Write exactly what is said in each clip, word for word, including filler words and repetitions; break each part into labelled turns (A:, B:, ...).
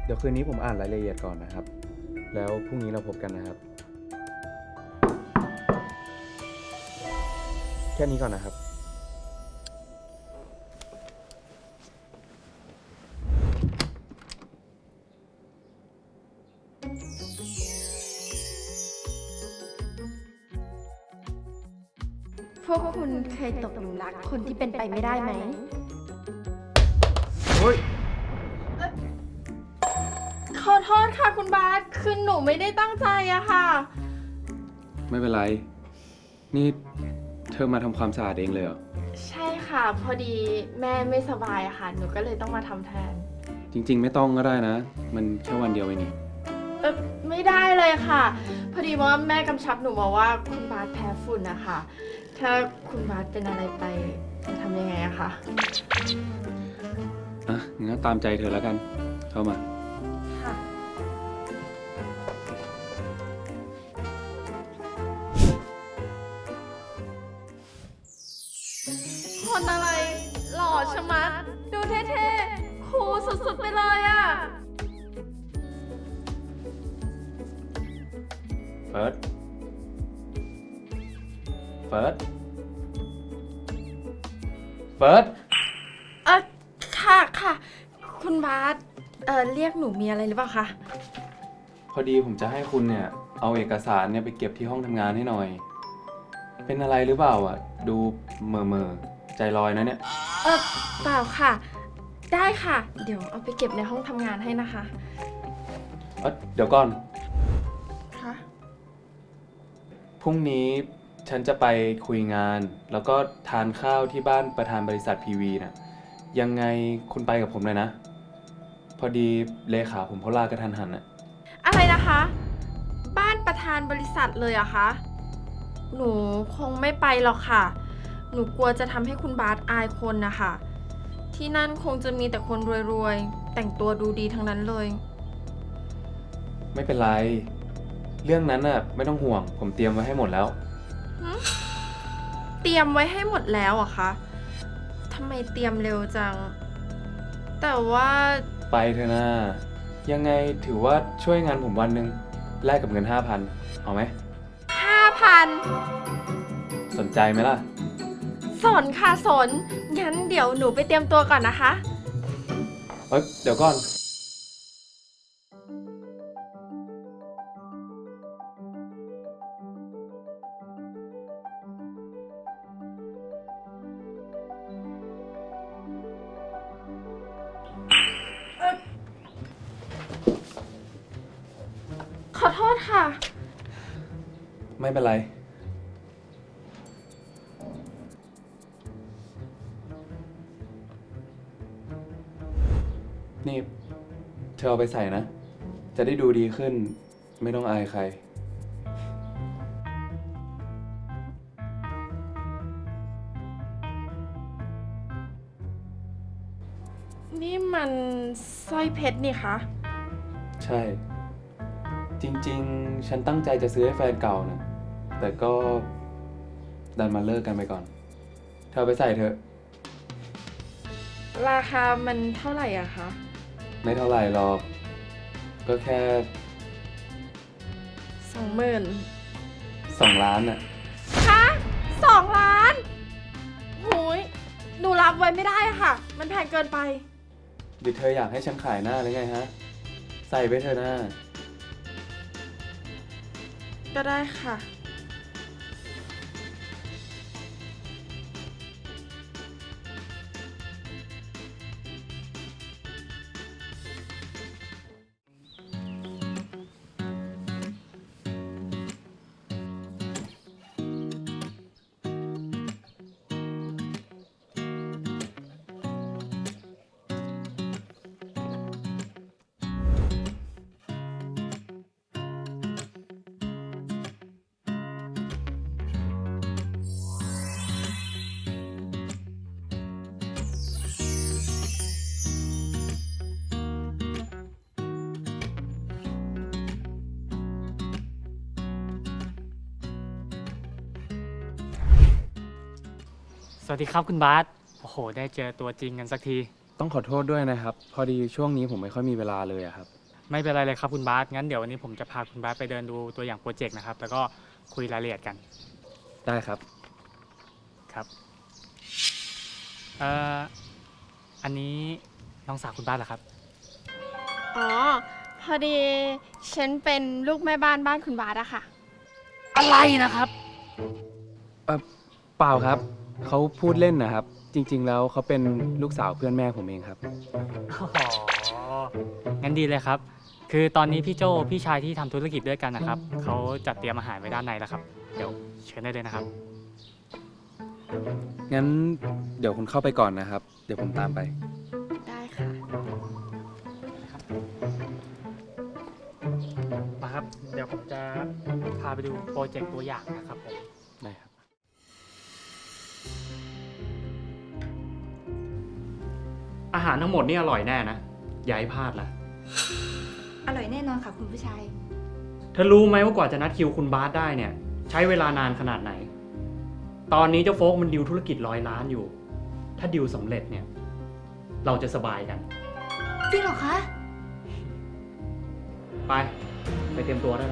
A: ดี๋ยวคืนนี้ผมอ่านรายละเอียดก่อนนะครับ แล้วพรุ่งนี้เราพบกันนะครับ แค่นี้ก่อนนะครับ
B: พวกคุณเคยตกหลุมรักคนที่เป็นไปไม่ได้ไหม
A: เฮ้ย
B: ขอโทษค่ะคุณบาสคือหนูไม่ได้ตั้งใจอะค่ะ
A: ไม่เป็นไร นี่เธอมาทำความสะอาดเองเลยเหรอ
B: ใช่ค่ะ พอดีแม่ไม่สบายอะค่ะ หนูก็เลยต้องมาทำแทน
A: จริงๆ ไม่ต้องก็ได้นะ มันแค่วันเดียวเองนี่
B: เออไม่ได้เลยค่ะ พอดีว่าแม่กำชับหนูมาว่าคุณบาสแพ้ฝุ่นนะคะ ถ้าคุณบาสเป็นอะไรไปจะทำยังไงอะคะ
A: อ่ะงั้นตามใจเธอแล้วกัน เข้ามา
B: ค่ะ คนอะไรหล่อชะมัด ดูเท่ๆคูลสุดๆไปเลยอะ
A: เฟิร์ส เฟิร์ส เฟิร์ส
B: เออค่ะค่ะ คุณบาสเออเรียกหนูมีอะไรหรือเปล่าคะ
A: พอดีผมจะให้คุณเนี่ย เอาเอกสารเนี่ยไปเก็บที่ห้องทำงานให้หน่อย เป็นอะไรหรือเปล่าอ่ะ ดูเมื่อเมื่อใจลอยนะเนี่ย
B: เออเปล่าค่ะ ได้ค่ะ เดี๋ยวเอาไปเก็บในห้องทำงานให้นะคะ
A: เอ้ยเดี๋ยวก่อน
B: ค่ะ
A: พรุ่งนี้ฉันจะไปคุยงาน แล้วก็ทานข้าวที่บ้านประธานบริษัทพีวีน่ะ ยังไงคุณไปกับผมเลยนะ พอดีเลขาผมเขาลากระทันหันน่ะ
B: อะไรนะคะ บ้านประธานบริษัทเลยเหรอะคะ หนูคงไม่ไปหรอกค่ะ หนูกลัวจะทำให้คุณบาสอายคนนะคะ ที่นั่นคงจะมีแต่คนรวยๆ แต่งตัวดูดีทั้งนั้นเลย
A: ไม่เป็นไร เรื่องนั้นน่ะไม่ต้องห่วง ผมเตรียมไว้ให้หมดแล้ว
B: เตรียมไว้ให้หมดแล้วเหรอะคะทำไมเตรียมเร็วจัง แต่ว่า
A: ไปเถอะนะยังไงถือว่าช่วยงานผมวันหนึ่งแลกกับเงินห้าพันเอาไหม
B: ห้าพัน
A: สนใจไหมล่ะ
B: สนค่ะสน งั้นเดี๋ยวหนูไปเตรียมตัวก่อนนะคะ
A: เอ้ยเดี๋ยวก่อน
B: ขอโทษค่ะ
A: ไม่เป็นไร นี่ เธอเอาไปใส่นะ จะได้ดูดีขึ้น ไม่ต้องอายใคร
B: นี่มันสร้อยเพชรนี่คะ
A: ใช่ จริงๆ ฉันตั้งใจจะซื้อให้แฟนเก่านะ แต่ก็ดันมาเลิกกันไปก่อน เธอเอาไปใส่เถอะ
B: ราคามันเท่าไหร่อะคะ
A: ไม่เท่าไหร่หรอก ก็แค่
B: สองหมื่น
A: สองล้านน่ะ
B: ฮะสองล้านหูยหนูรับไว้ไม่ได้อะค่ะ มันแพงเกินไป
A: หรือเธออยากให้ฉันขายหน้าหรือไงฮะ ใส่ไปเถอะหน้า
B: ก็ได้ค่ะ
C: สวัสดีครับคุณบาสโอ้โห ได้เจอตัวจริงกันสักที
A: ต้องขอโทษด้วยนะครับ พอดีช่วงนี้ผมไม่ค่อยมีเวลาเลยอะครับ
C: ไม่เป็นไรเลยครับคุณบาสงั้นเดี๋ยววันนี้ผมจะพาคุณบาสไปเดินดูตัวอย่างโปรเจกต์นะครับ แล้วก็คุยรายละเอียดกัน
A: ได้ครับ
C: ครับเอ่ออันนี้น้องสาวคุณบาสเหรอครับ
B: อ๋อ พอดีฉันเป็นลูกแม่บ้านบ้านคุณบาสอะค่ะ
C: อะไรนะครับ
A: เออเปล่าครับ เขาพูดเล่นนะครับ จริง ๆ แล้วเขาเป็นลูกสาวเพื่อนแม่ผมเองครับ
C: อ๋อ งั้นดีเลยครับ คือตอนนี้พี่โจพี่ชายที่ทำธุรกิจด้วยกันนะครับ เขาจัดเตรียมอาหารไว้ด้านในแล้วครับ เดี๋ยวเชิญได้เลยนะครับ
A: งั้นเดี๋ยวคุณเข้าไปก่อนนะครับ เดี๋ยวผมตามไป
B: ได้ค่ะ
C: มาครับ เดี๋ยวผมจะพาไปดูโปรเจกต์ตัวอย่างนะครับผม
A: ได้ครับ
D: อาหารทั้งหมดนี่อร่อยแน่นะ อย่าให้พลาดล่ะ
E: อร่อยแน่นอนค่ะคุณผู้ชาย
D: เธอรู้ไหมว่ากว่าจะนัดคิวคุณบาสได้เนี่ย ใช้เวลานานขนาดไหน ตอนนี้เจ้าโฟกมันดิวธุรกิจร้อยล้านอยู่ ถ้าดิวสำเร็จเนี่ย เราจะสบายกัน
E: จริงเหรอคะ
D: ไป ไปเตรียมตัวได้แล้ว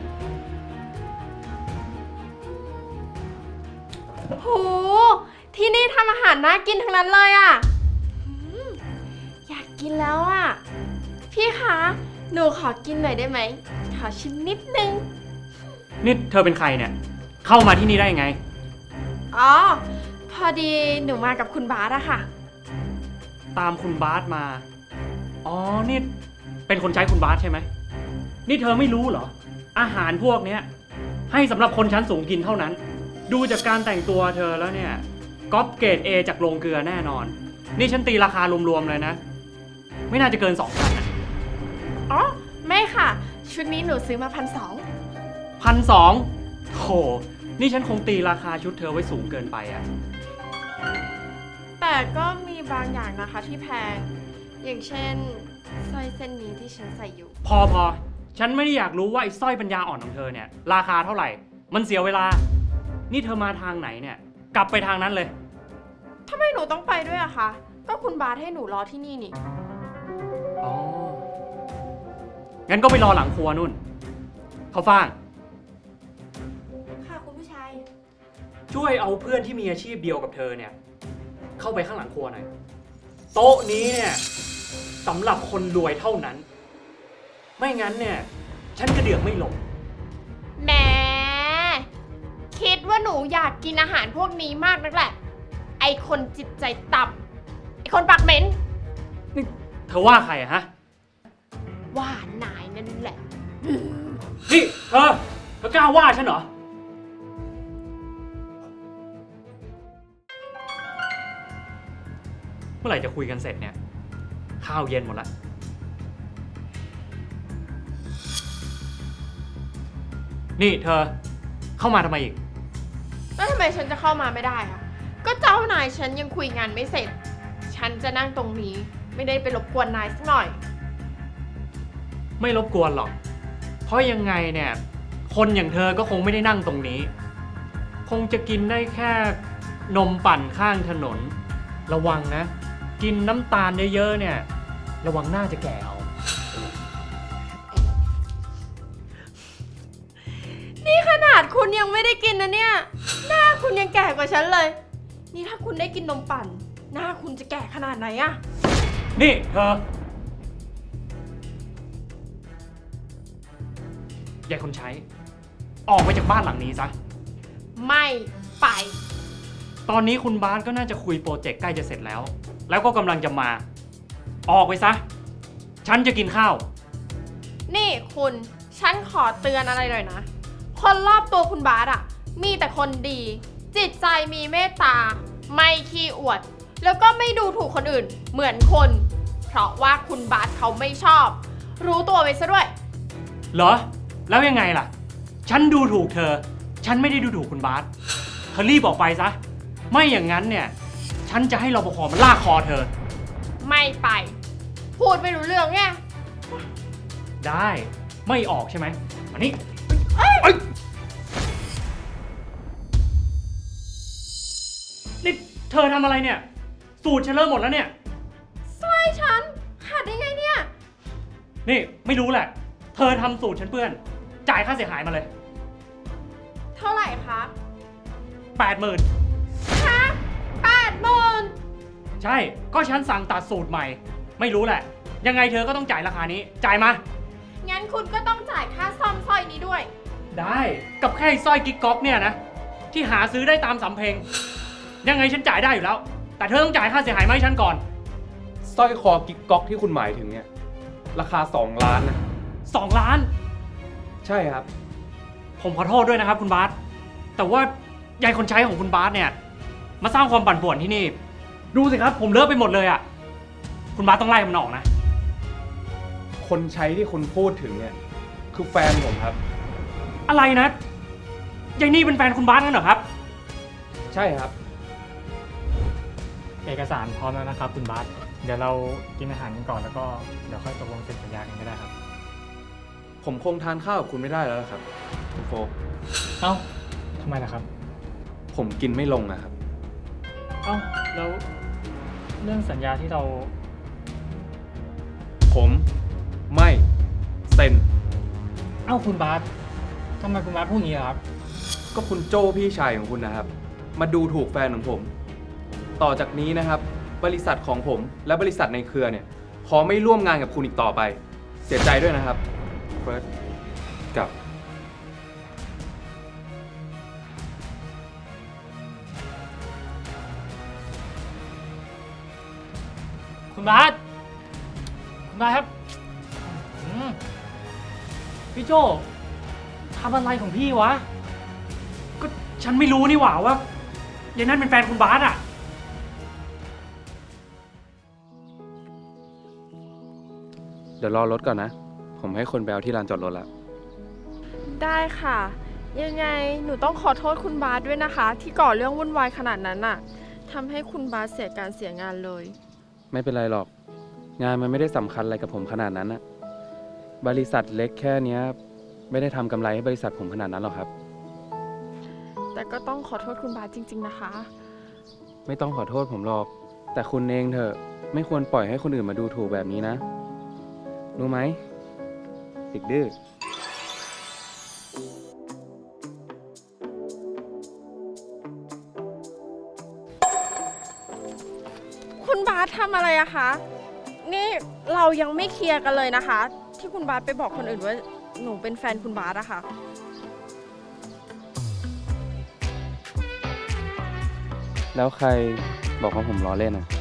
B: โห ที่นี่ทำอาหารน่ากินทั้งนั้นเลยอะหืมอยากกินแล้วอะพี่คะ หนูขอกินหน่อยได้ไหม ขอชิมนิดนึง
D: นี่เธอเป็นใครเนี่ย เข้ามาที่นี่ได้ยังไง
B: อ๋อ พอดีหนูมากับคุณบาสอะค่ะ
D: ตามคุณบาสมา อ๋อ นี่เป็นคนใช้คุณบาสใช่ไหม นี่เธอไม่รู้เหรอ อาหารพวกเนี้ยให้สำหรับคนชั้นสูงกินเท่านั้น ดูจากการแต่งตัวเธอแล้วเนี่ยก๊อปเกรด A จากโรงเกลือแน่นอน นี่ฉันตีราคารวมๆเลยนะ ไม่น่าจะเกินสองพัน
B: อ๋อ ไม่ค่ะ ชุดนี้หนูซื้อมาพันสอง
D: พันสองโห นี่ฉันคงตีราคาชุดเธอไว้สูงเกินไปอะ
B: แต่ก็มีบางอย่างนะคะที่แพง อย่างเช่นสร้อยเส้นนี้ที่ฉันใส่อยู่
D: พอพอ ฉันไม่ได้อยากรู้ว่าไอ้สร้อยปัญญาอ่อนของเธอเนี่ย ราคาเท่าไหร่ มันเสียเวลา นี่เธอมาทางไหนเนี่ย กลับไปทางนั้นเลย
B: ทำไมหนูต้องไปด้วยอะคะ ก็คุณบาสให้หนูรอที่นี่นี่
D: อ๋อ งั้นก็ไปรอหลังครัวนู่น เขาฟ่าง
E: ค่ะคุณผู้ชาย
D: ช่วยเอาเพื่อนที่มีอาชีพเดียวกับเธอเนี่ย เข้าไปข้างหลังครัวหน่อย โต๊ะนี้เนี่ยสำหรับคนรวยเท่านั้น ไม่งั้นเนี่ย ฉันกระเดือกไม่หลง
B: แหม คิดว่าหนูอยากกินอาหารพวกนี้มากนักแหละ ไอคนจิตใจต่ำไอคนปากเหม็น
D: นี่เธอว่าใครอะฮะ
B: ว่านายนั่นแหละ
D: นี่เธอ เธอกล้าว่าฉันเหรอ เมื่อไหร่จะคุยกันเสร็จเนี่ย ข้าวเย็นหมดละ นี่เธอ เข้ามาทำไมอีก
B: แล้วทำไมฉันจะเข้ามาไม่ได้อะก็เจ้านายฉันยังคุยงานไม่เสร็จ ฉันจะนั่งตรงนี้ ไม่ได้ไปรบกวนนายสักหน่อย
D: ไม่รบกวนหรอก เพราะยังไงเนี่ย คนอย่างเธอก็คงไม่ได้นั่งตรงนี้ คงจะกินได้แค่นมปั่นข้างถนน ระวังนะ กินน้ำตาลเยอะๆเนี่ย ระวังหน้าจะแก่เอา
B: นี่ขนาดคุณยังไม่ได้กินนะเนี่ย หน้าคุณยังแก่กว่าฉันเลย นี่ถ้าคุณได้กินนมปั่น หน้าคุณจะแก่ขนาดไหนอะ
D: นี่เธอ ยายคนใช้ ออกไปจากบ้านหลังนี้ซะ
B: ไม่ไป
D: ตอนนี้คุณบาสก็น่าจะคุยโปรเจกต์ใกล้จะเสร็จแล้ว แล้วก็กำลังจะมา ออกไปซะ ฉันจะกินข้าว
B: นี่คุณ ฉันขอเตือนอะไรหน่อยนะ คนรอบตัวคุณบาสอะมีแต่คนดี จิตใจมีเมตตา ไม่ขี้อวด แล้วก็ไม่ดูถูกคนอื่น เหมือนคน เพราะว่าคุณบาสเขาไม่ชอบ รู้ตัวไว้ซะด้วย
D: เหรอ แล้วยังไงล่ะ ฉันดูถูกเธอ ฉันไม่ได้ดูถูกคุณบาสเธอรีบออกไปซะ ไม่อย่างนั้นเนี่ย ฉันจะให้รปภมันลากคอเธอ
B: ไม่ไป พูดไม่รู้เรื่องไง
D: ได้ ไม่ออกใช่ไหมมานี่นี่เธอทำอะไรเนี่ย สูตรฉันเริ่มหมดแล้วเนี่ย
B: สู
D: นี่ไม่รู้แหละ เธอทำสูตรฉันเปื้อน จ่ายค่าเสียหายมาเลย
B: เท่าไหร่คะ
D: แปดหมื่น
B: ฮะแปดหมื่น
D: ใช่ ก็ฉันสั่งตัดสูตรใหม่ ไม่รู้แหละ ยังไงเธอก็ต้องจ่ายราคานี้ จ่ายมา
B: งั้นคุณก็ต้องจ่ายค่าซ่อมสร้อยนี้ด้วย
D: ได้ กับแค่ไอ้สร้อยกิ๊กก๊อกเนี่ยนะ ที่หาซื้อได้ตามสำเพ็ง ยังไงฉันจ่ายได้อยู่แล้ว แต่เธอต้องจ่ายค่าเสียหายมาให้ฉันก่อน
A: สร้อยคอกิ๊กก๊อกที่คุณหมายถึงเนี่ย ราคาสองล้านนะ
D: สองล้าน
A: ใช่ครับ
D: ผมขอโทษด้วยนะครับคุณบาสแต่ว่ายายคนใช้ของคุณบาสเนี่ย มาสร้างความปั่นป่วนที่นี่ ดูสิครับ ผมเลอะไปหมดเลยอะ่ะ คุณบาสต้องไล่มันออกนะ
A: คนใช้ที่คุณพูดถึงเนี่ย คือแฟนผมครับ
D: อะไรนะยายนี่เป็นแฟนคุณบาสกันเหรอครับ
A: ใช่ครับ
C: เอกสารพร้อมแล้วนะครับคุณบาสเดี๋ยวเรากินอาหารกันก่อนแล้วก็เดี๋ยวค่อยตกลงเซ็นสัญญากันก็ได้ครับ
A: ผมคงทานข้าวกับคุณไม่ได้แล้วล่ะครับคุณโฟก
C: เอ้าทำไมล่ะครับ
A: ผมกินไม่ลงอะครับ
C: เอ้าแล้วเรื่องสัญญาที่เรา
A: ผมไม่เซ็น
C: เอ้าคุณบาสทำไมคุณบาสพูดอย่างนี้ล่ะครับ
A: ก็คุณโจ้พี่ชายของคุณนะครับ มาดูถูกแฟนของผม ต่อจากนี้นะครับ บริษัทของผมและบริษัทในเครือเนี่ย ขอไม่ร่วมงานกับคุณอีกต่อไป เสียใจด้วยนะครับเฟิร์สกับ
C: คุณบาสคุณบาสครับอืมพี่โจทำอะไรของพี่วะ
D: ก็ฉันไม่รู้นี่หว่าว่ายายนั่นเป็นแฟนคุณบาสอ่ะ
A: เดี๋ยวรอรถก่อนนะ ผมให้คนไปเอาที่ลานจอดรถแล้ว
B: ได้ค่ะ ยังไงหนูต้องขอโทษคุณบาสด้วยนะคะ ที่ก่อเรื่องวุ่นวายขนาดนั้นน่ะทำให้คุณบาสเสียการเสียงานเลย
A: ไม่เป็นไรหรอก งานมันไม่ได้สำคัญอะไรกับผมขนาดนั้นนะบริษัทเล็กแค่เนี้ย ไม่ได้ทำกำไรให้บริษัทผมขนาดนั้นหรอกครับ
B: แต่ก็ต้องขอโทษคุณบาสจริง ๆนะคะ
A: ไม่ต้องขอโทษผมหรอก แต่คุณเองเถอะ ไม่ควรปล่อยให้คนอื่นมาดูถูกแบบนี้นะ รู้ไหมเด็กดื้อ
B: คุณบาสทำอะไรอะคะ นี่เรายังไม่เคลียร์กันเลยนะคะ ที่คุณบาสไปบอกคนอื่นว่าหนูเป็นแฟนคุณบาสอะค่ะ
A: แล้วใครบอกว่าผมล้อเล่นอ่ะ